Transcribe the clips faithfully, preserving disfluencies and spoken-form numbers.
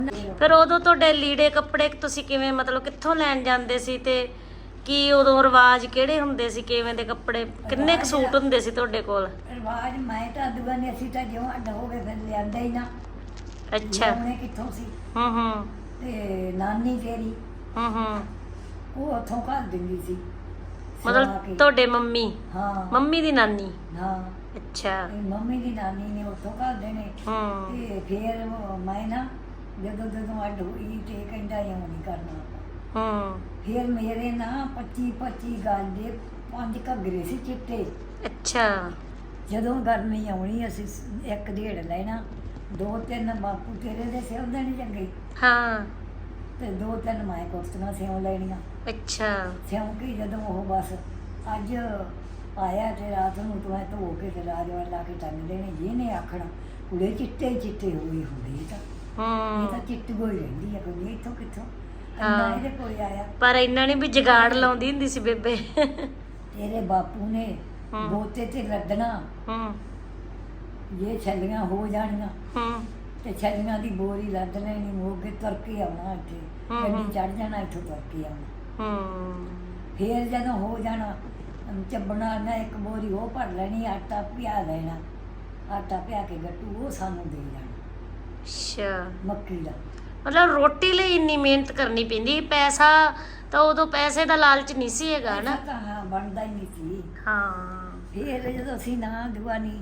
ਫਿਰ ਉਦੋਂ ਤੁਹਾਡੇ ਲੀੜੇ ਕੱਪੜੇ ਤੁਸੀਂ ਕਿਵੇਂ ਮਤਲਬ ਕਿੱਥੋਂ ਲੈਣ ਜਾਂਦੇ ਸੀ ਤੇ ਕੀ ਉਦੋਂ ਰਿਵਾਜ ਕਿਹੜੇ ਹੁੰਦੇ ਸੀ, ਕਿਵੇਂ ਦੇ ਕੱਪੜੇ, ਕਿੰਨੇ ਕੁ ਸੂਟ ਹੁੰਦੇ ਸੀ ਤੁਹਾਡੇ ਕੋਲ? ਰਿਵਾਜ ਮੈਂ ਤਾਂ ਅੱਡੂਆਂ ਨੇ ਅਸੀਂ ਤਾਂ ਜਿਉਂ ਅੱਡ ਹੋ ਗਏ ਫਿਰ ਲਿਆਂਦਾ ਹੀ ਨਾ। ਅੱਛਾ। ਉਹਨੇ ਕਿੱਥੋਂ ਸੀ? ਹੂੰ ਹੂੰ ਤੇ ਨਾਨੀ ਤੇਰੀ ਹੂੰ ਹੂੰ ਉਹ ਉੱਥੋਂ ਘੱਲ ਦਿੰਦੀ ਸੀ ਮਤਲਬ ਤੁਹਾਡੇ ਮੰਮੀ? ਹਾਂ ਮੰਮੀ ਦੀ ਨਾਨੀ? ਹਾਂ। ਅੱਛਾ। ਤੇ ਮੰਮੀ ਦੀ ਨਾਨੀ ਨੇ ਉੱਥੋਂ ਘੱਲ ਦੇਣੇ। ਹੂੰ ਤੇ ਫਿਰ ਮੈਂ ਨਾ ਜਦੋਂ ਜਦੋਂ ਅੱਡ ਹੋਈ ਤੇ ਕਹਿੰਦਾ ਇਉਂ ਨਹੀਂ ਕਰਨਾ। ਹੂੰ। ਫਿਰ ਮੇਰੇ ਨਾ ਪੱਚੀ ਪੱਚੀ ਗਾਲ ਦੇ ਪੰਜ ਘੱਗਰੇ ਸੀ ਚਿੱਟੇ। ਅੱਛਾ। ਜਦੋਂ ਗਰਮੀ ਆਉਣੀ ਅਸੀਂ ਇੱਕ ਡੇਢ ਲੈਣਾ, ਦੋ ਤਿੰਨ ਬਾਪੂ ਤੇਰੇ ਦੇ ਸਿਉਂ ਦੇਣੇ ਚੰਗੇ। ਹਾਂ। ਤੇ ਦੋ ਤਿੰਨ ਮੈਂ ਕੁਰਸੀਆਂ ਸਿਉਂ ਲੈਣੀਆਂ। ਅੱਛਾ। ਸਿਉਂ ਕੇ ਜਦੋਂ ਉਹ ਬਸ ਅੱਜ ਆਇਆ ਤੇ ਰਾਤ ਨੂੰ ਤੂੰ ਐ ਧੋ ਕੇ ਤੇ ਰਾਜਵਾਰ ਲਾ ਕੇ ਟੰਗ ਦੇਣੇ। ਜਿਹਨੇ ਆਖਣਾ ਕੁੜੇ ਚਿੱਟੇ ਚਿੱਟੇ ਹੋਈ ਹੁੰਦੀ ਤਾਂ ਇਹ ਤਾਂ ਹੂੰ। ਚਿੱਟੀ ਹੋਈ ਰਹਿੰਦੀ ਆ ਕੋਈ ਇੱਥੋਂ ਕਿੱਥੋਂ ਹਾਂ। ਇੰਨਾ ਇਹਦੇ ਕੋਲ ਆਇਆ। ਪਰ ਇਹਨਾਂ ਨੇ ਵੀ ਜਗਾੜ ਲਾਉਂਦੀ ਹੁੰਦੀ ਸੀ ਬੇਬੇ। ਤੇਰੇ ਬਾਪੂ ਨੇ ਹੂੰ। ਬੋਤੇ ਤੇ ਲੱਦਣਾ ਹੂੰ ਜੇ ਛੱਲੀਆਂ ਹੋ ਜਾਣੀਆਂ ਹੂੰ ਤੇ ਛੱਲੀਆਂ ਦੀ ਬੋਰੀ ਲੱਦ ਲੈਣੀ, ਮੋਗੇ ਤੁਰ ਕੇ ਆਉਣਾ ਇੱਥੇ ਹੂੰ, ਗੱਡੀ ਹੂੰ। ਚੜ ਜਾਣਾ, ਇੱਥੋਂ ਤੁਰ ਕੇ ਆਉਣਾ। ਹੂੰ। ਫੇਰ ਜਦੋਂ ਹੋ ਜਾਣਾ ਅਮ ਚੱਬਣਾ ਨਾ ਇੱਕ ਬੋਰੀ ਉਹ ਭਰ ਲੈਣੀ, ਆਟਾ ਪਿਆ ਲੈਣਾ, ਆਟਾ ਪਿਆ ਕੇ ਗੱਟੂ ਉਹ ਸਾਨੂੰ ਦੇ ਜਾਣਾ ਅੱਛਾ। ਮੱਕੀ ਦਾ। ਮਤਲਬ ਰੋਟੀ ਲਈ ਇੰਨੀ ਮਿਹਨਤ ਕਰਨੀ ਪੈਂਦੀ, ਪੈਸਾ ਤਾਂ ਉਦੋਂ ਪੈਸੇ ਦਾ ਲਾਲਚ ਨਹੀਂ ਸੀ ਹੈਗਾ ਨਾ। ਪੈਸਾ ਤਾਂ ਹਾਂ ਬਣਦਾ ਹੀ ਨਹੀਂ ਸੀ। ਹਾਂ। ਫਿਰ ਜਦੋਂ ਅਸੀਂ ਨਾ ਦੁਆਨੀ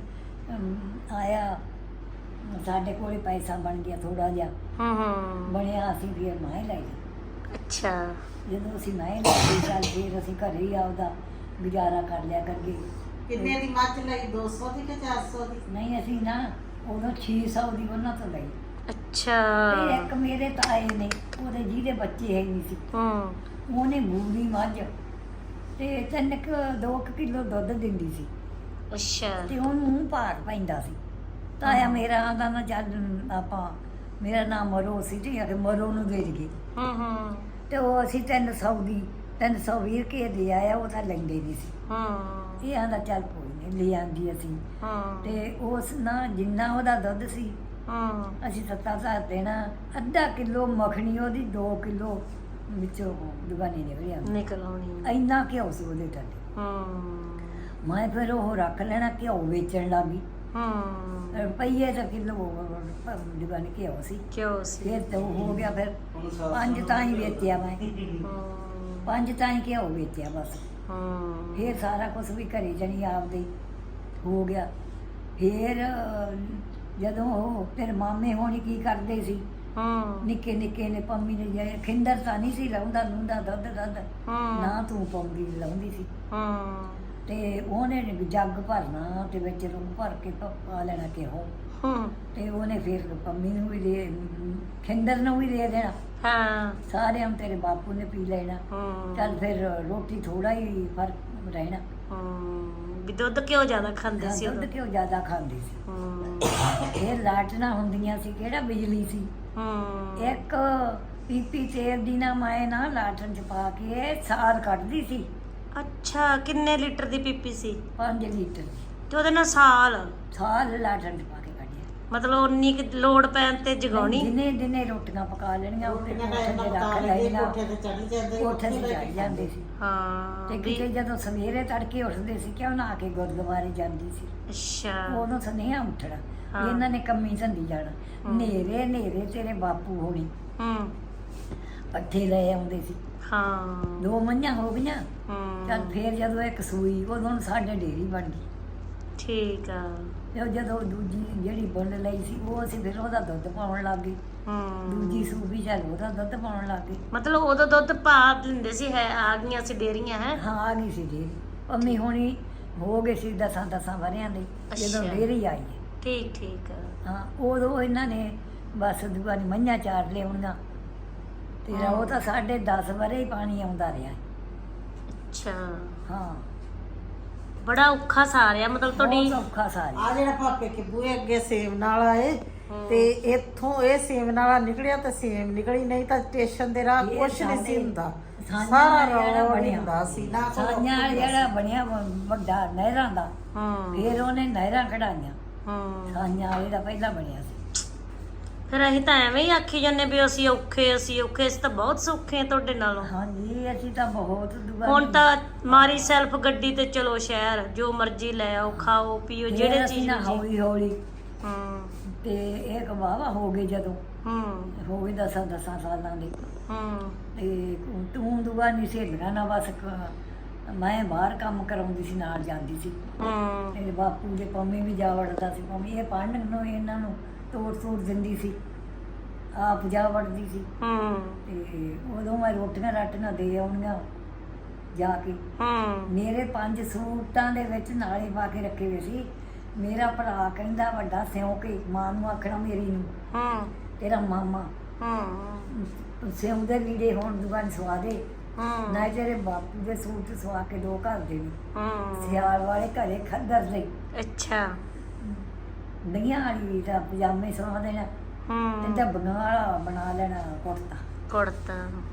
ਆਇਆ ਸਾਡੇ ਕੋਲ ਪੈਸਾ ਬਣ ਗਿਆ ਥੋੜਾ ਜਿਹਾ ਹੂੰ ਹੂੰ। ਬਣਿਆ, ਅਸੀਂ ਫਿਰ ਮੈਂ ਲੈ ਲਈ। ਅੱਛਾ। ਜਦੋਂ ਅਸੀਂ ਮੈਂ ਲੈ ਲਈ ਚੱਲ ਫਿਰ ਅਸੀਂ ਘਰੇ ਹੀ ਆਪਦਾ ਗੁਜ਼ਾਰਾ ਕਰ ਲਿਆ ਕਰੀਏ। ਕਿੰਨੇ ਦੀ ਮੱਝ ਲਈ? ਦੋ ਸੌ ਦੀ ਕਿ ਚਾਰ ਸੌ ਦੀ? ਨਹੀਂ ਅਸੀਂ ਨਾ ਉਦੋਂ ਛੇ ਸੌ ਦੀ ਉਹਨਾਂ ਤੋਂ ਲਈ। ਅੱਛਾ। ਤੇ ਇੱਕ ਮੇਰੇ ਤਾਏ ਨੇ ਉਹਦੇ ਜਿਹਦੇ ਬੱਚੇ ਹੈ ਨਹੀਂ ਸੀ, ਹੂੰ। ਉਹਨੇ ਬੂਰੀ ਮੱਝ ਤੇ ਤਿੰਨ ਕੁ ਦੋ ਕੁ ਕਿਲੋ ਦੁੱਧ ਦਿੰਦੀ ਸੀ ਅੱਛਾ। ਤੇ ਉਹਨੂੰ ਭਾਰ ਪੈਂਦਾ ਸੀ। ਤਾਇਆ ਮੇਰਾ ਆਂਦਾ ਨਾ ਚੱਲ ਆਪਾਂ ਮੇਰਾ ਨਾਮ ਮਰੋ ਸੀ ਤੇ ਅਗੇ ਮਰੋ ਨੂੰ ਦੇ ਦਈਏ। ਹੂੰ ਹੂੰ ਤੇ ਉਹ ਅਸੀਂ ਤਿੰਨ ਸੌ ਦੀ ਤਿੰਨ ਸੌ ਵੀਹ ਰੁਪਏ ਦੇ ਆਇਆ, ਉਹ ਤਾਂ ਲੈਂਦੇ ਨਹੀਂ ਸੀ। ਹੂੰ ਇਹ ਆਂਦਾ ਚੱਲ ਕੋਈ ਨਹੀਂ ਲੈ ਆਂਦੀ ਅਸੀਂ। ਹੂੰ ਤੇ ਉਸ ਨਾ ਜਿੰਨਾ ਉਹਦਾ ਦੁੱਧ ਸੀ ਹੂੰ ਅਸੀਂ ਸੱਤਾ ਸਾਤ ਦੇਣਾ, ਅੱਧਾ ਕਿਲੋ ਮੱਖਣੀ ਉਹਦੀ ਦੋ ਕਿਲੋ ਵਿੱਚੋਂ ਦੁਕਾਨੇ ਨਿਕਲ ਆਉਂਦੀ। ਨਿਕਲ ਆਉਣੀ। ਇੰਨਾ ਘਿਓ ਸੀ ਉਹਦੇ ਥੱਲੇ। ਹੂੰ ਮੈਂ ਫਿਰ ਉਹ ਰੱਖ ਲੈਣਾ, ਘਿਓ ਵੇਚਣ ਲੱਗੀ। ਹੂੰ। ਰੁਪਈਏ ਦਾ ਕਿਲੋ ਦੁਕਾਨੇ ਘਿਓ ਸੀ। ਕਿਉਂ ਸੀ? ਫਿਰ ਤਾਂ ਉਹ ਹੋ ਗਿਆ, ਫਿਰ ਪੰਜ ਤਾਂ ਹੀ ਵੇਚਿਆ ਮੈਂ, ਹੂੰ ਪੰਜ ਤਾਂ ਹੀ ਘਿਓ ਵੇਚਿਆ ਬਸ। ਹੂੰ। ਫਿਰ ਸਾਰਾ ਕੁਝ ਵੀ ਘਰੇ ਜਣੀ ਆਪਦੇ ਹੋ ਗਿਆ। ਫਿਰ ਜਦੋਂ ਉਹ ਫਿਰ ਮਾਮੇ ਹੋਣੀ ਕੀ ਕਰਦੇ ਸੀ, ਹੂੰ ਨਿੱਕੇ ਨਿੱਕੇ ਨੇ ਪੰਮੀ ਨੇ ਜੇ ਖਿੰਦਰ ਤਾਂ ਨਹੀਂ ਸੀ ਲਾਉਂਦਾ ਨੂੰਦਾ ਦੁੱਧ ਦੁੱਧ ਹੂੰ। ਨਾ ਤੂੰ ਪਾਉਂਦੀ ਲਾਉਂਦੀ ਸੀ। ਹੂੰ ਤੇ ਉਹਨੇ ਜੱਗ ਭਰਨਾ ਤੇ ਵਿੱਚ ਰੂਹ ਭਰ ਕੇ ਪ- ਪਾ ਲੈਣਾ ਘਿਓ, ਹੂੰ। ਤੇ ਉਹਨੇ ਫਿਰ ਪੰਮੀ ਨੂੰ ਵੀ ਦੇ ਖਿੰਦਰ ਨੂੰ ਵੀ ਦੇ ਦੇਣਾ, ਹਾਂ। ਸਾਰਿਆਂ ਨੂੰ ਤੇਰੇ ਬਾਪੂ ਨੇ ਪੀ ਲੈਣਾ। ਹੂੰ। ਚੱਲ ਫਿਰ ਰੋਟੀ ਥੋੜਾ ਹੀ ਫਰਕ ਰਹਿਣਾ। ਹੂੰ ਵੀ ਦੁੱਧ ਕਿਉਂ ਜ਼ਿਆਦਾ ਖਾਂਦੇ ਸੀ ਦੁੱਧ ਉਦੋਂ? ਘਿਓ ਜ਼ਿਆਦਾ ਖਾਂਦੀ ਸੀ। ਹੂੰ ਇਹ ਲਾਟਣਾ ਹੁੰਦੀਆਂ ਸੀ, ਕਿਹੜਾ ਬਿਜਲੀ ਸੀ। ਹੂੰ। ਇੱਕ ਪੀਪੀ ਤੇਲ ਦੀ ਨਾ ਮੈਂ ਨਾ ਲਾਟਣ ਚ ਪਾ ਕੇ ਸਾਰ ਕੱਢਦੀ ਸੀ। ਅੱਛਾ। ਕਿੰਨੇ ਲੀਟਰ ਦੀ ਪੀਪੀ ਸੀ? ਪੰਜ ਲੀਟਰ ਤੇ ਉਹਦੇ ਨਾਲ ਸਾਲ ਸਾਲ ਲਾਟਣ ਚ ਪਾ ਕੇ ਕੱਢਿਆ। ਮਤਲਬ ਉਨੀ ਕੁ ਲੋੜ ਪੈਣ ਤੇ ਜਗਾਉਣੀ? ਦਿਨੇ ਦਿਨੇ ਰੋਟੀਆਂ ਪਕਾ ਲੈਣੀਆਂ, ਉੱਤੇ ਰੋਟੀਆਂ ਕੋਠੇ ਦਾ ਤੇ ਪਕਾ ਰੱਖ ਲੈਂਦੇ, ਲੈਣੀਆਂ, ਕੋਠੇ ਤੇ ਚੜ੍ਹ ਜਾਂਦੇ, ਕੋਠੇ ਤੇ ਉੱਥੇ ਚੜ ਜਾਂਦੇ ਸੀ। ਹਾਂ ਤੇ ਵੀ- ਕਿਤੇ ਜਦੋਂ ਸਵੇਰੇ ਤੜਕੇ ਉੱਠਦੇ ਸੀ ਕਿਉਂ ਨਾ ਕੇ ਗੁਰਦੁਆਰੇ ਜਾਂਦੀ ਸੀ। ਅੱਛਾ। ਉਦੋਂ ਸੁਨੇਹਾ ਉੱਠਣਾ, ਹਾਂ। ਇਹਨਾਂ ਨੇ ਕੰਮੀ ਸੰਦੀ ਜਾਣਾ। ਹਮ। ਨੇਰੇ ਨੇਰੇ ਤੇਰੇ ਬਾਪੂ ਹੋਣੀ ਹੂੰ। ਪੱਠੇ ਲੈ ਆਉਂਦੇ ਸੀ। ਹਾਂ। ਦੋ ਮੱਝਾਂ ਹੋ ਗਈਆਂ। ਹੂੰ। ਚੱਲ ਫੇਰ ਜਦੋਂ ਇੱਕ ਸੂਈ ਉਦੋਂ ਸਾਡੇ ਡੇਰੀ ਬਣ ਗਈ। ਠੀਕ ਆ। ਤੇ ਉਹ ਜਦੋਂ ਦੂਜੀ ਜਿਹੜੀ ਬੁੱਲ ਲਈ ਸੀ ਉਹ ਅਸੀਂ ਫਿਰ ਉਹਦਾ ਦੁੱਧ ਪਾਉਣ ਲੱਗ ਗਏ। ਹੂੰ। ਦੂਜੀ ਸੂਈ ਚੱਲ ਉਹਦਾ ਦੁੱਧ ਪਾਉਣ ਲੱਗ ਗਏ। ਮਤਲਬ ਉਦੋਂ ਦੁੱਧ ਪਾ ਦਿੰਦੇ ਸੀ, ਹੈ ਆ ਗਈਆਂ ਸੀ ਡੇਰੀਆਂ ਹੈ? ਹਾਂ ਆ ਗਈ ਸੀ ਡੇਰੀ। ਪੰਮੀ ਹੋਣੀ ਹੋ ਗਏ ਸੀ ਦਸਾਂ ਦਸਾਂ ਵਰਿਆਂ ਦੇ ਜਦੋਂ ਅੱਛਾ। ਡੇਰੀ ਆਈ ਹੈ। ਠੀਕ ਠੀਕ ਆ। ਹਾਂ ਉਦੋਂ ਇਹਨਾਂ ਨੇ ਬਸ ਦੁਕਾਨੀ ਮੱਝਾਂ ਚਾਰ ਲਿਆਉਣੀਆਂ ਤੇ ਹਾਂ। ਉਹ ਤਾਂ ਸਾਢੇ ਦਸ ਵਰੇ ਹੀ ਪਾਣੀ ਆਉਂਦਾ ਰਿਹਾ। ਅੱਛਾ। ਹਾਂ ਬੜਾ ਔਖਾ ਸਾਰਿਆ ਮਤਲਬ ਤੁਹਾਡੀ। ਬਹੁਤ ਔਖਾ ਸਾਰੀ। ਆ ਜਿਹੜਾ ਭਾਪੇ ਕੇ ਬੂਹੇ ਅੱਗੇ ਸੇਮ ਨਾਲ ਆਏ ਹੂੰ। ਤੇ ਇੱਥੋਂ ਇਹ ਸੇਮ ਨਾਲਾ ਨਿਕਲਿਆ ਤੇ ਸੇਮ ਨਿਕਲੀ, ਨਹੀਂ ਤਾਂ ਸਟੇਸ਼ਨ ਦੇ ਰਾਹ ਇਹ ਕੁਛ ਨਹੀਂ ਸੀ ਸਾਡੇ ਹੁੰਦਾ, ਸਾਂਝਾਂ ਸਾਰਾ ਜਿਹੜਾ ਰੋਡ ਬਣਿਆ ਹੁੰਦਾ ਸੀ ਨਾ ਕੋਈ ਸਾਂਝਾਂ ਔਖੀ ਜਿਹੜਾ ਸੀ। ਬਣਿਆ ਵ- ਵੱਡਾ ਨਹਿਰਾਂ ਦਾ, ਹੂੰ। ਫਿਰ ਉਹਨੇ ਨਹਿਰਾਂ ਕਢਾਈਆਂ। ਹੂੰ। ਸਾਂਝਾਂ ਵਾਲੇ ਦਾ ਪਹਿਲਾਂ ਬਣਿਆ ਸੀ। ਫਿਰ ਅਸੀਂ ਤਾਂ ਐਵੇਂ ਹੀ ਆਖੀ ਜਾਂਦੇ ਵੀ ਅਸੀਂ ਔਖੇ ਅਸੀਂ ਔਖੇ ਅਸੀਂ ਤਾਂ ਬਹੁਤ ਸੌਖੇ ਆ ਤੁਹਾਡੇ ਨਾਲੋਂ। ਹਾਂਜੀ ਅਸੀਂ ਤਾਂ ਬਹੁਤ ਦੁਆ ਹੁਣ ਤਾਂ ਮਾਰੀ ਸੈਲਫ ਗੱਡੀ ਤੇ ਚਲੋ ਸ਼ਹਿਰ, ਜੋ ਮਰਜ਼ੀ ਲੈ ਆਓ, ਖਾਓ ਪੀਓ, ਜਿਹੜੇ ਚੀਜ਼ ਨਾ ਮਰਜ਼ੀ। ਹੌਲੀ ਹੌਲੀ ਹੂੰ ਤੇ ਇਹ ਕਵਾਵਾ ਹੋ ਗਏ ਜਦੋਂ ਹੂੰ ਹੋ ਗਏ ਦਸਾਂ ਦਸਾਂ ਸਾਲਾਂ ਦੇ ਹੂੰ ਤੇ ਤੂੰ ਦੁਆ ਨਹੀਂ ਸਹੇਲੀਆਂ ਨਾਲ ਬਸ ਕ- ਮੈਂ ਬਾਹਰ ਕੰਮ ਕਰਾਉਂਦੀ ਸੀ, ਨਾਲ ਜਾਂਦੀ ਸੀ। ਹੂੰ ਮੇਰੇ ਬਾਪੂ ਦੇ ਪੰਮੀ ਵੀ ਜਾ ਵੜਦਾ ਸੀ, ਪੰਮੀ ਇਹ ਪੜ੍ਹਨ ਨੂੰ ਇਹਨਾਂ ਨੂੰ ਤੋੜ ਤੋੜ ਦਿੰਦੀ ਸੀ, ਆਪ ਜਾ ਵੜਦੀ ਸੀ। ਹੂੰ ਤੇ ਉਦੋਂ ਮੈਂ ਰੋਟੀਆਂ ਰਾਟੀਆਂ ਦੇ ਆਉਣੀਆਂ ਜਾ ਕੇ। ਹੂੰ ਮੇਰੇ ਪੰਜ ਸੂਟਾਂ ਦੇ ਵਿੱਚ ਨਾਲੇ ਪਾ ਕੇ ਰੱਖੇ ਹੋਏ ਸੀ। ਮੇਰਾ ਭਰਾ ਕਹਿੰਦਾ ਵੱਡਾ ਸਿਉਂ ਕੇ ਮਾਂ ਨੂੰ ਆਖਣਾ ਮੇਰੀ ਨੂੰ, ਹੂੰ ਤੇਰਾ ਮਾਮਾ ਹੂੰ ਸਿਉਂ ਦੇ ਲੀੜੇ ਹੋਣ ਦੁਕਾਨ ਸਵਾ ਦੇ, ਹੂੰ ਨਾ ਤੇਰੇ ਬਾਪੂ ਦੇ ਸੂਟ ਸਵਾ ਕੇ ਦੋ ਘਰ ਦੇ ਵੀ ਹੂੰ ਸਿਆਲ ਵਾਲੇ ਘਰੇ ਖੱਦਰ ਲਈ ਅੱਛਾ ਦਈਆਂ ਵਾਲੀ ਦਾ ਪਜਾਮੇ ਸਵਾ ਦੇਣਾ ਤੇ ਹੂੰ ਡੱਬੀਆਂ ਵਾਲਾ ਬਣਾ ਲੈਣਾ ਕੁੜਤਾ। ਕੁੜਤਾ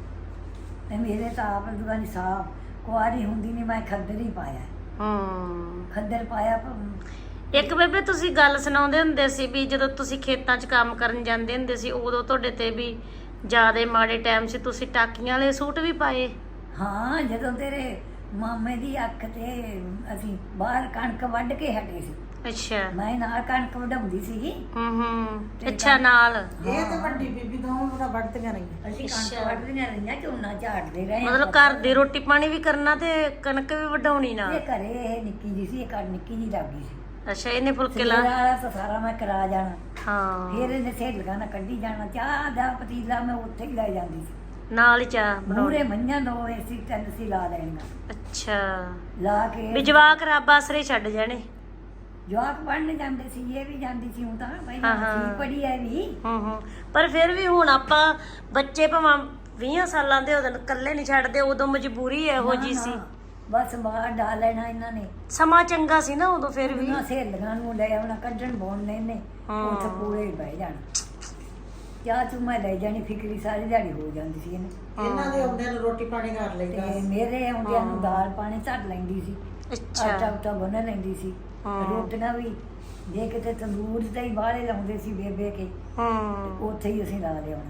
ਤੇ ਮੇਰੇ ਤਾਂ ਆਪ ਦੁਕਾਨ ਸਾਫ ਕੁਆਰੀ ਹੁੰਦੀ ਨਹੀਂ, ਮੈਂ ਖੱਦਰ ਹੀ ਪਾਇਆ, ਹੂੰ ਖੱਦਰ ਪਾਇਆ ਪ- ਇੱਕ ਬੇਬੇ ਤੁਸੀਂ ਗੱਲ ਸੁਣਾਉਂਦੇ ਹੁੰਦੇ ਸੀ ਵੀ ਜਦੋਂ ਤੁਸੀਂ ਖੇਤਾਂ 'ਚ ਕੰਮ ਕਰਨ ਜਾਂਦੇ ਹੁੰਦੇ ਸੀ ਉਦੋਂ ਤੁਹਾਡੇ ਤੇ ਵੀ ਜ਼ਿਆਦੇ ਮਾੜੇ ਟਾਈਮ ਸੀ, ਤੁਸੀਂ ਟਾਕੀਆਂ ਵਾਲੇ ਸੂਟ ਵੀ ਪਾਏ। ਹਾਂ ਜਦੋਂ ਤੇਰੇ ਮਾਮੇ ਦੀ ਅੱਖ ਤੇ ਅਸੀਂ ਬਾਹਰ ਕਣਕ ਵੱਢ ਕੇ ਹਟੇ ਸੀ, ਅੱਛਾ ਮੈਂ ਨਾਲ ਕਣਕ ਵਢਾਉਂਦੀ ਸੀਗੀ। ਹੂੰ ਹੂੰ ਅੱਛਾ ਨਾਲ ਇਹ ਤੇ ਵੱਡੀ ਬੀਬੀ ਦੋਵੇਂ ਬੜਾ ਵੱਢਦੀਆਂ ਰਹੀਆਂ। ਅਸੀਂ ਅੱਛਾ। ਕਣਕ ਵੱਢਦੀਆਂ ਰਹੀਆਂ, ਝੋਨਾ ਝਾੜਦੇ ਰਹੇ। ਮਤਲਬ ਘਰ ਦੀ ਰੋਟੀ ਪਾਣੀ ਵੀ ਕਰਨਾ ਤੇ ਕਣਕ ਵੀ ਵਢਾਉਣੀ ਨਾਲ। ਇਹ ਘਰੇ ਇਹ ਨਿੱਕੀ ਜੀ ਸੀ, ਇਹ ਘਰ ਨਿੱਕੀ ਜੀ ਲੱਗੀ ਸੀ। ਅੱਛਾ ਇਹਨੇ ਫੁਲਕੇ ਸਵੇਰ ਲਾ ਵਾਲਾ ਤਾਂ ਸਾਰਾ ਮੈਂ ਕਰਾ ਜਾਣਾ, ਹਾਂ ਫਿਰ ਇਹਨੇ ਸਹੇਲੀਆਂ ਨਾਲ ਕੱਢੀ ਜਾਣਾ। ਚਾਹ ਦਾ ਪਤੀਲਾ ਮੈਂ ਉੱਥੇ ਹੀ ਲੈ ਜਾਂਦੀ ਸੀ। ਨਾਲ ਹੀ ਚਾਹ ਮੂਰੇ ਬਣਾਉਣੀ। ਮੰਝਾਂ ਦੋ ਸੀ, ਤਿੰਨ ਸੀ ਲਾ ਲੈਣੀਆਂ, ਅੱਛਾ ਲਾ ਵੀ ਕੇ ਜਵਾਕ ਰੱਬ ਆਸਰੇ ਛੱਡ ਜਾਣੇ। ਜਵਾਕ ਪੜ੍ਹਨ ਜਾਂਦੇ ਸੀ, ਇਹ ਵੀ ਜਾਂਦੀ ਸੀ। ਹੁਣ ਤਾਂ ਹਾਂ, ਪਹਿਲਾਂ ਹਾਂ। ਸੀ ਪੜ੍ਹੀ ਐ ਵੀ। ਹੂੰ ਹੂੰ ਪਰ ਫਿਰ ਵੀ ਹੁਣ ਆਪਾਂ ਬੱਚੇ ਭਾਵੇਂ ਵੀਹ ਸਾਲਾਂ ਦੇ ਉਦੋਂ ਇਕੱਲੇ ਨਹੀਂ ਛੱਡਦੇ, ਉਦੋਂ ਮਜਬੂਰੀ ਇਹੋ ਜੀ ਨਾ, ਸੀ। ਨਾ, ਬਸ ਬਾਹਰ ਡਾਲ ਲੈਣਾ ਇਹਨਾਂ ਨੇ। ਸਮਾਂ ਚੰਗਾ ਸੀ ਨਾ ਉਦੋਂ ਫਿਰ ਵੀ। ਉਹਨਾਂ ਸਹੇਲੀਆਂ ਨੂੰ ਲੈ ਆਉਣਾ, ਕੱਢਣ ਬੋਲਣੇ ਨੇ, ਹਾਂ। ਉੱਥੇ ਪੂਰੇ ਹੀ ਬਹਿ ਜਾਣਾ। ਚਾਹ ਚੂ ਮੈਂ ਲੈ ਜਾਣੀ, ਫਿਕਰੀ ਸਾਰੀ ਦਿਹਾੜੀ ਹੋ ਜਾਂਦੀ ਸੀ ਇਹਨੇ। ਇਹਨਾਂ ਦੇ ਆਉਂਦਿਆਂ ਨੂੰ ਰੋਟੀ ਪਾਣੀ ਕਰ ਤੇ ਲਈਦਾ। ਮੇਰੇ ਆਉਂਦਿਆਂ ਨੂੰ ਦਾਲ ਪਾਣੀ ਧਰ ਲੈਂਦੀ ਸੀ, ਆਟਾ ਅੱਛਾ ਉਟਾ ਗੁੰਨ ਲੈਂਦੀ ਸੀ। ਹਾਂ। ਰੋਟੀਆਂ ਵੀ ਜੇ ਕਿਤੇ ਤੰਦੂਰ ਤੇ ਹੀ ਬਾਹਲੇ ਲਾਉਂਦੇ ਸੀ ਬੇਬੇ ਕੇ, ਹੂੰ ਉੱਥੇ ਹੀ ਅਸੀਂ ਲਾ ਲਿਆਉਣਾ।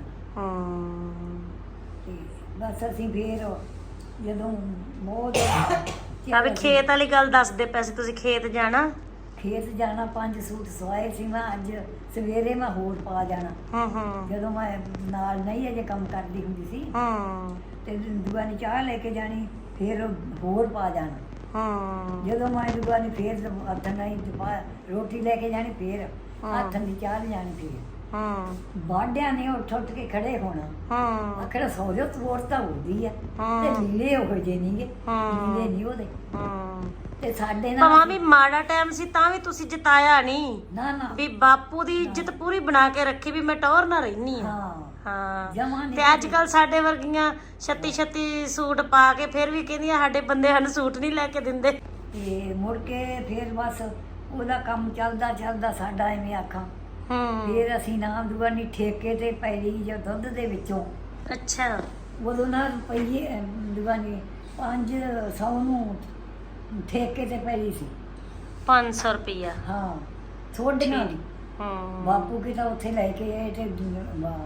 ਹੂੰ ਤੇ ਬਸ ਅਸੀਂ ਫੇਰ ਜਦੋਂ ਬਹੁਤ ਆ ਵੀ ਖੇਤ ਵਾਲੀ ਗੱਲ ਦੱਸਦੇ ਪਏ ਸੀ ਤੁਸੀਂ, ਖੇਤ ਜਾਣਾ। ਖੇਤ ਜਾਣਾ, ਪੰਜ ਸੂਟ ਸਵਾਏ ਸੀ ਮੈਂ। ਅੱਜ ਸਵੇਰੇ ਮੈਂ ਹੋਰ ਪਾ ਜਾਣਾ, ਹੂੰ ਹੂੰ ਜਦੋਂ ਮੈਂ ਨਾਲ ਨਹੀਂ ਅਜੇ ਕੰਮ ਕਰਦੀ ਹੁੰਦੀ ਸੀ। ਹੂੰ ਤੇ ਦੁਆ ਨੇ ਚਾਹ ਲੈ ਕੇ ਜਾਣੀ, ਫਿਰ ਹੋਰ ਪਾ ਜਾਣਾ। ਹੂੰ ਜਦੋਂ ਮੈਂ ਦੁਆ ਨੇ ਫੇਰ ਹੱਥ ਨਹੀਂ ਦੁਪਾ ਰੋਟੀ ਲੈ ਕੇ ਜਾਣੀ, ਫੇਰ ਹੱਥ ਦੀ ਚਾਹ ਲੈ ਜਾਣੀ। ਫੇਰ ਹੂੰ ਬਾਡਿਆਂ ਨੇ ਉੱਠ ਉੱਠ ਕੇ ਖੜੇ ਹੋਣਾ, ਹੂੰ ਆਖਰ ਸੌ ਜੋ ਤੋੜ ਤਾਂ ਹੁੰਦੀ ਆ। ਹਾਂ। ਤੇ ਲੀੜੇ ਉਹ ਜੇ ਨਹੀਂਗੇ, ਹਾਂ। ਲੀੜੇ ਨਹੀਂ ਉਹਦੇ। ਹੂੰ ਤੇ ਸਾਡੇ ਭਾਵੇਂ ਨਾਲ ਵੀ ਮਾੜਾ ਟਾਈਮ ਸੀ ਤਾਂ ਵੀ ਤੁਸੀਂ ਜਿਤਾਇਆ ਨਹੀਂ, ਨਾ ਨਾ ਵੀ ਬਾਪੂ ਦੀ ਇੱਜ਼ਤ ਪੂਰੀ ਬਣਾ ਕੇ ਰੱਖੀ ਵੀ ਮੈਂ ਟੌਰ ਨਾ ਰਹਿਨੀ ਆ। ਹਾਂ ਹਾਂ ਜਮਾਂ ਨੀ ਤੇ ਅੱਜ ਕੱਲ ਸਾਡੇ ਵਰਗੀਆਂ ਛੱਤੀ ਛੱਤੀ ਸੂਟ ਪਾ ਕੇ ਫਿਰ ਵੀ ਕਹਿੰਦੀਆਂ ਸਾਡੇ ਬੰਦੇ ਸਾਨੂੰ ਸੂਟ ਨਹੀਂ ਲੈ ਕੇ ਦਿੰਦੇ। ਤੇ ਮੁੜ ਕੇ ਫਿਰ ਬਸ ਉਹਦਾ ਕੰਮ ਚੱਲਦਾ ਚੱਲਦਾ ਸਾਡਾ ਐਵੇਂ ਆਖਾਂ। ਹੂੰ ਫਿਰ ਅਸੀਂ ਨਾ ਦੁਆਨੀ ਠੇਕੇ ਤੇ ਪੈਲੀ ਜਾਂ ਦੁੱਧ ਦੇ ਵਿੱਚੋਂ ਅੱਛਾ ਉਦੋਂ ਨਾ ਰੁਪਈਏ ਦੁਆਨੀ ਪੰਜ ਸੌ ਨੂੰ ਠੇਕੇ ਤੇ ਪੈਲੀ ਸੀ। ਪੰਜ ਸੌ ਰੁਪਈਆ। ਹਾਂ ਥੋੜੀਆਂ ਦੀ ਹੂੰ ਬਾਪੂ ਕੀ ਤਾਂ ਉੱਥੇ ਲੈ ਕੇ ਆਏ ਤੇ ਬਾ-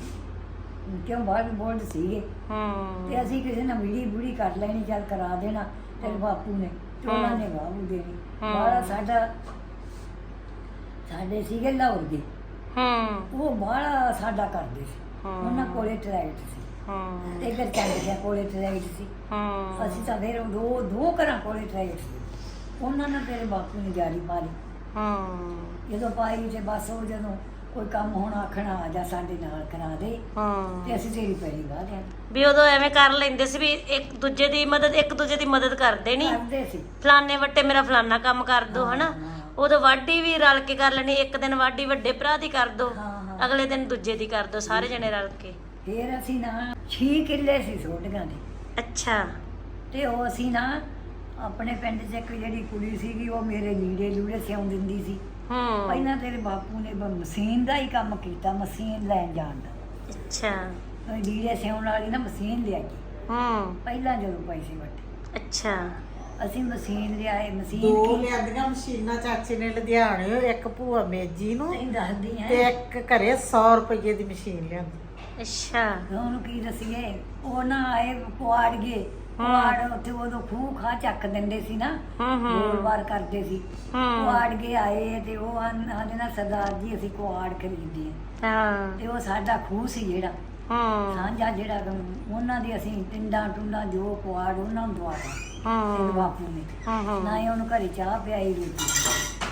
ਕਿਉਂ ਬਾਹਰ ਬੋਲਡ ਸੀਗੇ। ਹੂੰ ਤੇ ਅਸੀਂ ਕਿਸੇ ਨਾਲ ਵੀੜੀ ਬੁੜੀ ਕਰ ਲੈਣੀ, ਚੱਲ ਕਰਾ ਦੇਣਾ। ਤੇਰੇ ਬਾਪੂ ਨੇ ਤੇ ਉਹਨਾਂ ਨੇ ਬਾਹੂ ਦੇਣੀ। ਹਾਂ। ਬਾਹਲਾ ਸਾਡਾ ਸਾਡੇ ਸੀਗੇ ਲਾਹੌਰ ਦੇ, ਹੂੰ ਉਹ ਬਾਹਲਾ ਸਾਡਾ ਕਰਦੇ ਸੀ। ਹਾਂ। ਉਹਨਾਂ ਕੋਲੇ ਟਰੈਕਟ ਸੀ ਹੂੰ ਤੇ ਇੱਧਰ ਚੰਦ ਗਿਆ ਕੋਲੇ ਟਰੈਕਟ ਸੀ। ਹੂੰ ਅਸੀਂ ਤਾਂ ਫਿਰ ਦੋ ਦੋ ਘਰਾਂ ਕੋਲੇ ਟਰੈਕਟ ਸੀ। ਉਹਨਾਂ ਨੇ ਤੇਰੇ ਬਾਪੂ ਨੇ ਜਾਰੀ ਮਾਰੀ। ਹੂੰ ਜਦੋਂ ਪਾਈ ਤੇ ਬਸ ਉਹ ਜਦੋਂ ਕੋਈ ਕੰਮ ਹੋਣਾ ਆਖਣਾ ਆ ਜਾ ਸਾਡੇ ਨਾਲ ਕਰਾ ਦੇ, ਹੂੰ ਤੇ ਅਸੀਂ ਤੇਰੀ ਪੈਰੀ ਵਾਹ ਲਿਆ ਵੀ ਉਦੋਂ ਐਵੇਂ ਕਰ ਲੈਂਦੇ ਸੀ ਵੀ ਇੱਕ ਦੂਜੇ ਦੀ ਮਦਦ ਇੱਕ ਦੂਜੇ ਦੀ ਮਦਦ ਕਰਦੇ ਨਹੀਂ, ਕਰਦੇ ਸੀ। ਫਲਾਣੇ ਵੱਟੇ ਮੇਰਾ ਫਲਾਨਾ ਕੰਮ ਕਰ ਦੋ ਹਾਂ, ਹਨਾ। ਹਾਂ। ਉਦੋਂ ਵਾਢੀ ਵੀ ਰਲ ਕੇ ਕਰ ਲੈਣੀ, ਇੱਕ ਦਿਨ ਵਾਢੀ ਵੱਡੇ ਭਰਾ ਦੀ ਕਰ ਦੋ, ਹਾਂ, ਹਾਂ। ਅਗਲੇ ਦਿਨ ਦੂਜੇ ਦੀ ਕਰ ਦੋ, ਸਾਰੇ ਜਣੇ ਰਲ ਕੇ। ਫਿਰ ਅਸੀਂ ਨਾ ਛੇ ਕਿੱਲੇ ਸੀ ਸੋਡੀਆਂ ਦੇ, ਅੱਛਾ ਤੇ ਉਹ ਅਸੀਂ ਨਾ ਆਪਣੇ ਪਿੰਡ 'ਚ ਇੱਕ ਜਿਹੜੀ ਕੁੜੀ ਸੀਗੀ, ਉਹ ਮੇਰੇ ਲੀੜੇ ਲੂੜੇ ਸਿਉਂ ਦਿੰਦੀ ਸੀ। ਹੂੰ ਪਹਿਲਾਂ ਤੇਰੇ ਬਾਪੂ ਨੇ ਬ- ਮਸ਼ੀਨ ਦਾ ਹੀ ਕੰਮ ਕੀਤਾ, ਮਸ਼ੀਨ ਲੈਣ ਜਾਣ ਦਾ। ਅੱਛਾ ਉਹ ਲੀੜੇ ਸਿਉਣ ਵਾਲੀ ਨਾ ਮਸ਼ੀਨ ਲਿਆਈ ਹੂੰ ਪਹਿਲਾਂ ਜਦੋਂ ਪੈਸੇ ਵੱਟੇ। ਅੱਛਾ ਅਸੀਂ ਮਸ਼ੀਨ ਲਿਆਏ ਮਸ਼ੀਨ ਦੋ ਕੀ ਲਿਆਂਦੀਆਂ ਮਸ਼ੀਨਾਂ ਚਾਚੇ ਨੇ ਲੁਧਿਆਣੇ, ਇੱਕ ਭੂਆ ਮੇਜੀ ਨੂੰ ਨਹੀਂ ਦੱਸਦੀ ਤੇ ਹੈ ਇੱਕ ਘਰੇ ਸੌ ਰੁਪਏ ਦੀ ਮਸ਼ੀਨ ਲਿਆਂਦੀ। ਅੱਛਾ ਉਹਨੂੰ ਕੀ ਦੱਸੀਏ, ਉਹ ਨਾ ਆਏ ਕੁਆੜ ਗਏ ਕੁਆੜ ਉੱਥੇ ਉਦੋਂ ਖੂਹ ਖਾ ਚੱਕ ਦਿੰਦੇ ਸੀ ਨਾ, ਹੂੰ ਹੂੰ ਗੋਲਵਾਰ ਕਰਦੇ ਸੀ। ਹੂੰ ਕੁਆੜ ਕੇ ਆਏ ਤੇ ਉਹ ਆਂਦੇ ਨਾ ਸਰਦਾਰ ਜੀ ਅਸੀਂ ਕੁਆੜ ਖਰੀਦੇ ਆ, ਹਾਂ ਤੇ ਉਹ ਸਾਡਾ ਖੂਹ ਸੀ ਜਿਹੜਾ ਹੂੰ ਸਾਂਝਾ ਜਿਹੜਾ ਗਾ, ਉਹਨਾਂ ਦੀ ਅਸੀਂ ਟਿੰਡਾਂ ਟੁੰਡਾਂ ਜੋ ਕੁਆੜ ਉਹਨਾਂ ਨੂੰ ਦਵਾਤਾ ਤੇ ਹੂੰ ਬਾਪੂ ਨੇ ਹੂੰ ਹੂੰ ਨਾ ਹੀ ਉਹਨੂੰ ਘਰੇ ਚਾਹ ਪਿਆਈ ਰੋਟੀ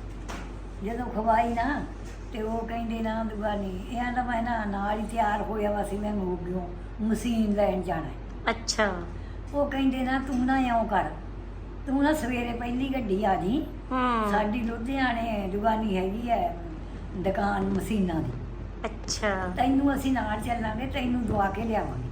ਜਦੋਂ ਖਵਾਈ ਨਾ ਤੇ ਉਹ ਕਹਿੰਦੇ ਨਾ ਦੁਗਾਨੀ ਇਹਨਾਂ ਦਾ ਮੈਂ ਨਾ ਨਾਲ ਹੀ ਤਿਆਰ ਹੋਇਆ ਵਾ ਸੀ ਮੈਂ ਮੋਗਿਓ ਮਸ਼ੀਨ ਲੈਣ ਜਾਣਾ ਹੈ। ਅੱਛਾ ਉਹ ਕਹਿੰਦੇ ਨਾ ਤੂੰ ਨਾ ਇਉਂ ਕਰ, ਤੂੰ ਨਾ ਸਵੇਰੇ ਪਹਿਲੀ ਗੱਡੀ ਆ ਜੀ, ਹੂੰ ਸਾਡੀ ਲੁਧਿਆਣੇ ਦੁਗਾਨੀ ਹੈਗੀ ਹੈ ਦੁਕਾਨ ਮਸ਼ੀਨਾਂ ਦੀ, ਅੱਛਾ ਤੈਨੂੰ ਅਸੀਂ ਨਾਲ ਚੱਲਾਂਗੇ, ਤੈਨੂੰ ਦਵਾ ਕੇ ਲਿਆਵਾਂਗੇ।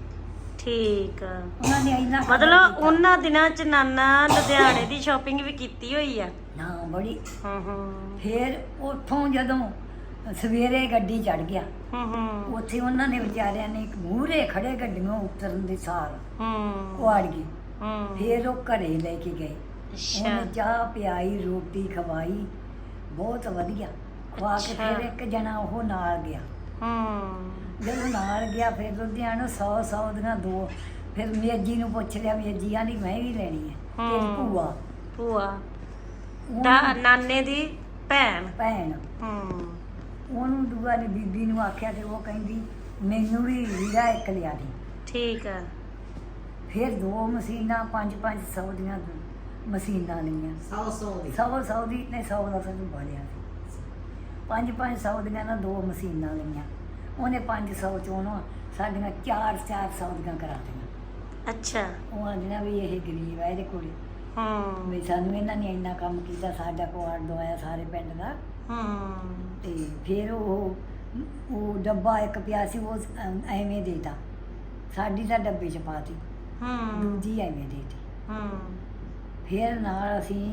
ਠੀਕ ਆ। ਉਹਨਾਂ ਨੇ ਇੰਨਾ ਕਦਰ ਮਤਲਬ ਕੀਤਾ। ਉਹਨਾਂ ਦਿਨਾਂ ਚ ਨਾਨਾ ਲੁਧਿਆਣੇ ਦੀ ਸ਼ਾਪਿੰਗ ਵੀ ਕੀਤੀ ਹੋਈ ਆ। ਨਾ ਬੜੀ। ਹੂੰ ਹੂੰ ਫਿਰ ਉੱਥੋਂ ਜਦੋਂ ਸਵੇਰੇ ਗੱਡੀ ਚੜ ਗਿਆ, ਹੂੰ ਹੂੰ ਉੱਥੇ ਉਹਨਾਂ ਨੇ ਵਿਚਾਰਿਆਂ ਨੇ ਇੱਕ ਮੂਹਰੇ ਖੜੇ ਗੱਡੀਆਂ ਉਤਰਨ ਦੇ ਸਾਰ ਹੂੰ ਕੁਆੜ ਗਏ। ਹੂੰ ਫਿਰ ਉਹ ਘਰੇ ਲੈ ਕੇ ਗਏ, ਅੱਛਾ ਉਹਨੇ ਚਾਹ ਪਿਆਈ ਰੋਟੀ ਖਵਾਈ ਬਹੁਤ ਵਧੀਆ ਖਵਾ ਕੇ ਅੱਛਾ। ਫਿਰ ਇੱਕ ਜਣਾ ਉਹ ਨਾਲ ਗਿਆ। ਹੂੰ ਜਦੋਂ ਨਾਲ ਗਿਆ ਫਿਰ ਲੁਧਿਆਣਾ ਸੌ ਸੌ ਦੀਆਂ ਦੋ, ਫਿਰ ਮੇਜੀ ਨੂੰ ਪੁੱਛ ਲਿਆ, ਮੇਜੀ ਆਂਦੀ ਮੈਂ ਵੀ ਲੈਣੀ ਹੈ। ਤੇ ਹੂੰ। ਭੂਆ ਭੂਆ ਉਹਨੂੰ- ਦਾ ਨਾਨੇ ਦੀ ਭੈਣ। ਭੈਣ ਹੂੰ ਉਹਨੂੰ ਦੂਆ ਨੇ ਬੀਬੀ ਨੂੰ ਆਖਿਆ ਤੇ ਉਹ ਕਹਿੰਦੀ ਮੈਨੂੰ ਵੀ ਹੀਰਾ ਇੱਕ ਲਿਆ ਦੇ। ਠੀਕ ਆ। ਫਿਰ ਦੋ ਮਸ਼ੀਨਾਂ ਪੰਜ ਪੰਜ ਸੌ ਦੀਆਂ ਮਸ਼ੀਨਾਂ ਲਈਆਂ, ਸੌ ਸੌ ਦੀ ਸੌ ਸੌ ਦੀ ਨਹੀਂ ਸੌ ਦਾ ਸਾਨੂੰ ਬਲਿਆ ਪੰਜ ਪੰਜ ਸੌ ਦੀਆਂ ਨਾ ਦੋ ਮਸ਼ੀਨਾਂ ਲਈਆਂ। ਉਹਨੇ ਪੰਜ ਸੌ ਚੋਂ ਨਾ ਸਾਡੀਆਂ ਚਾਰ ਚਾਰ ਸੌ ਦੀਆਂ ਕਰਾ ਦਿੱਤੀਆਂ। ਅੱਛਾ। ਉਹ ਆਂਦੀਆਂ ਵੀ ਇਹ ਗਰੀਬ ਹੈ ਇਹਦੇ ਕੋਲ, ਹੂੰ ਵੀ ਸਾਨੂੰ ਇਹਨਾਂ ਨੇ ਇੰਨਾ ਕੰਮ ਕੀਤਾ, ਸਾਡਾ ਕੁਆੜ ਦਵਾਇਆ ਸਾਰੇ ਪਿੰਡ ਦਾ। ਹੂੰ ਤੇ ਫਿਰ ਉਹ ਉਹ ਡੱਬਾ ਇੱਕ ਪਿਆ ਸੀ ਉਹ ਐਵੇਂ ਦੇਤਾ, ਸਾਡੀ ਤਾਂ ਡੱਬੇ 'ਚ ਪਾਤੀ, ਹੂੰ ਦੂਜੀ ਐਵੇਂ ਦੇਤੀ। ਹੂੰ ਫਿਰ ਨਾਲ ਅਸੀਂ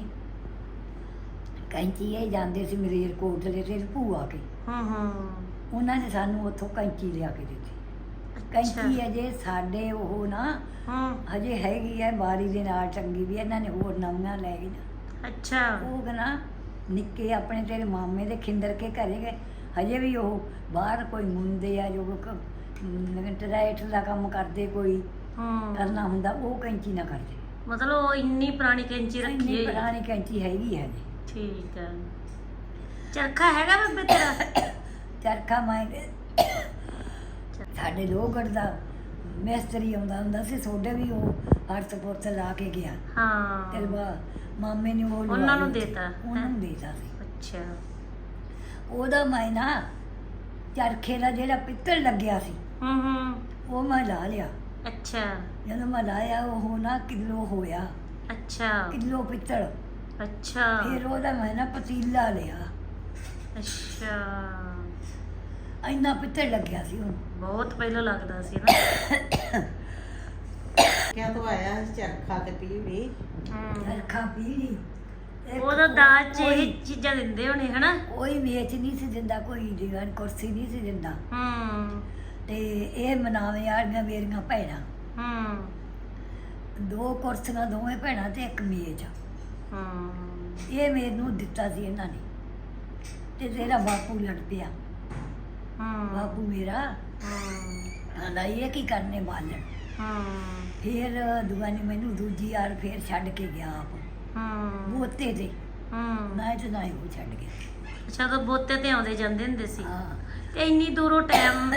ਕੈਂਚੀ ਇਹ ਜਾਂਦੇ ਸੀ ਮਰੇਰ ਕੋਟਲੇ ਤੇ ਭੂਆ ਕੇ, ਹੂੰ ਹੂੰ ਉਹਨਾਂ ਨੇ ਸਾਨੂੰ ਉੱਥੋਂ ਕੈਂਚੀ ਲਿਆ ਕੇ ਦਿੱਤੀ। ਕੈਂਚੀ ਅਜੇ ਸਾਡੇ ਉਹ ਨਾ ਹੂੰ ਹਜੇ ਹੈਗੀ ਹੈ ਬਾਰੀ ਦੇ ਨਾਲ ਟੰਗੀ ਵੀ, ਇਹਨਾਂ ਨੇ ਹੋਰ ਨਵੀਆਂ ਲੈ ਗਈਆਂ। ਅੱਛਾ। ਉਹ ਕਹਿੰਦਾ ਨਿੱਕੇ ਆਪਣੇ ਤੇਰੇ ਮਾਮੇ ਦੇ ਖਿੰਦਰ ਕੇ ਘਰੇ ਗਏ, ਹਜੇ ਵੀ ਉਹ ਬਾਹਰ ਕੋਈ ਮੁੰਡੇ ਆ ਜੋ ਟਰੈਟ ਦਾ ਕੰਮ ਕਰਦੇ, ਕੋਈ ਹੂੰ ਕਰਨਾ ਹੁੰਦਾ ਉਹ ਕੈਂਚੀ ਨਾ ਕਰਦੇ। ਮਤਲਬ ਉਹ ਇੰਨੀ ਪੁਰਾਣੀ ਕੈਂਚੀ ਰੱਖੀ ਇੰਨੀ ਹੋਈ ਆ। ਪੁਰਾਣੀ ਕੈਂਚੀ ਹੈਗੀ ਹੈ ਜੀ। ਠੀਕ ਆ। ਚਰਖਾ ਹੈਗਾ ਬੇਬੇ ਤੇਰਾ? ਚਰਖਾ ਮੈਂ ਸਾਡੇ ਲੋਹਗੜ੍ਹ ਦਾ ਮਿਸਤਰੀ ਆਉਂਦਾ ਹੁੰਦਾ ਸੀ, ਸੋਡੇ ਵੀ ਉਹ ਹਰਤ ਪੁਰਤ ਲਾ ਕੇ ਗਿਆ। ਹਾਂ ਤੇ ਬਾ ਮਾਮੇ ਨੇ ਉਹ ਉਹਨਾਂ ਲਵਾ ਨੂੰ ਲਈ। ਦੇਤਾ, ਉਹਨਾਂ ਹੈਂ? ਨੂੰ ਦੇਤਾ ਸੀ। ਅੱਛਾ। ਉਹਦਾ ਮੈਂ ਨਾ ਚਰਖੇ ਦਾ ਜਿਹੜਾ ਪਿੱਤਲ ਲੱਗਿਆ ਸੀ ਹੂੰ ਹੂੰ ਉਹ ਮੈਂ ਲਾ ਲਿਆ। ਅੱਛਾ ਜਦੋਂ ਮੈਂ ਲਾਇਆ ਉਹ ਨਾ ਕਿਲੋ ਹੋਇਆ, ਅੱਛਾ ਕਿਲੋ ਪਿੱਤਲ। ਅੱਛਾ ਫਿਰ ਉਹਦਾ ਮੈਂ ਨਾ ਪਤੀਲਾ ਲਿਆ, ਅੱਛਾ। ਇੰਨਾ ਪਿੱਤਲ ਲੱਗਿਆ ਸੀ ਉਹਨੂੰ। ਬਹੁਤ ਪਹਿਲਾਂ ਲੱਗਦਾ ਸੀ ਨਾ। ਕਿਆ ਤੋਂ ਆਇਆ ਚਰਖਾ ਤੇ ਪੀੜੀ। ਹੂੰ ਚਰਖਾ ਪੀੜੀ ਇੱਕ ਉਹਦਾ ਦਾਜ ਚ ਕੋਈ- ਇਹ ਚੀਜ਼ਾਂ ਦਿੰਦੇ ਹੋਣੇ ਹਨਾ। ਕੋਈ ਵੇਚ ਨਹੀਂ ਸੀ ਦਿੰਦਾ, ਕੋਈ ਦੀਵਾਨ ਕੁਰਸੀ ਨਹੀਂ ਸੀ ਦਿੰਦਾ। ਹੂੰ ਤੇ ਇਹ ਮਨਾਵੇ ਵਾਲੀਆਂ ਮੇਰੀਆਂ ਭੈਣਾਂ, ਹੂੰ ਦੋ ਕੁਰਸੀਆਂ ਦੋਵੇਂ ਭੈਣਾਂ ਤੇ ਇੱਕ ਮੇਜ਼, ਹੂੰ ਇਹ ਮੈਨੂੰ ਦਿੱਤਾ ਸੀ ਇਹਨਾਂ ਨੇ। ਤੇ ਤੇਰਾ ਬਾਪੂ ਲੜ ਪਿਆ, ਹੂੰ ਬਾਪੂ ਮੇਰਾ ਹੂੰ ਆਂਦਾ ਇਹ ਕੀ ਕਰਨੇ ਬਾਲਣ। ਹੂੰ ਫਿਰ ਦੁਗਾਨੀ ਮੈਨੂੰ ਦੂਜੀ ਵਾਰ ਫੇਰ ਛੱਡ ਕੇ ਗਿਆ ਆਪ ਹੂੰ ਬੋਤੇ ਤੇ, ਹੂੰ ਨਾ ਤੇ ਨਾ ਹੀ ਉਹ ਛੱਡ ਗਿਆ। ਅੱਛਾ ਤਾਂ ਬੋਤੇ ਤੇ ਆਉਂਦੇ ਜਾਂਦੇ ਹੁੰਦੇ ਸੀ। ਹਾਂ ਤੇ ਇੰਨੀ ਦੂਰੋਂ ਟਾਈਮ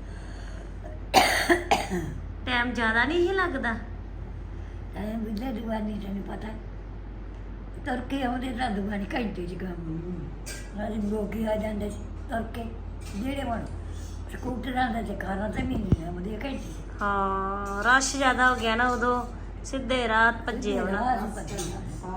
ਟਾਈਮ ਜ਼ਿਆਦਾ ਨਹੀਂ ਸੀ ਲੱਗਦਾ? ਐ ਬਿੱਲੇ ਦੁਗਾਨੀ ਤੈਨੂੰ ਪਤਾ ਤੁਰ ਕੇ ਆਉਂਦੇ ਤਾਂ ਦੁਗਾਨੀ ਘੰਟੇ ਚ ਕੰਮ ਰਾਜ ਲੋਕੀ ਆ ਜਾਂਦੇ ਸੀ ਤੁਰ ਕੇ, ਜਿਹੜੇ ਹੁਣ ਸਕੂਟਰਾਂ ਦਾ ਤੇ ਕਾਰਾਂ ਤੇ ਵੀ ਨਹੀਂ ਆਉਂਦੇ ਘੰਟੇ। ਹਾਂ ਰਸ਼ ਜ਼ਿਆਦਾ ਹੋ ਗਿਆ ਨਾ ਉਦੋਂ, ਸਿੱਧੇ ਰਾਤ ਭੱਜੇ ਆਉਣਾ। ਰਾਹ ਸੀ ਭੱਜਣਾ।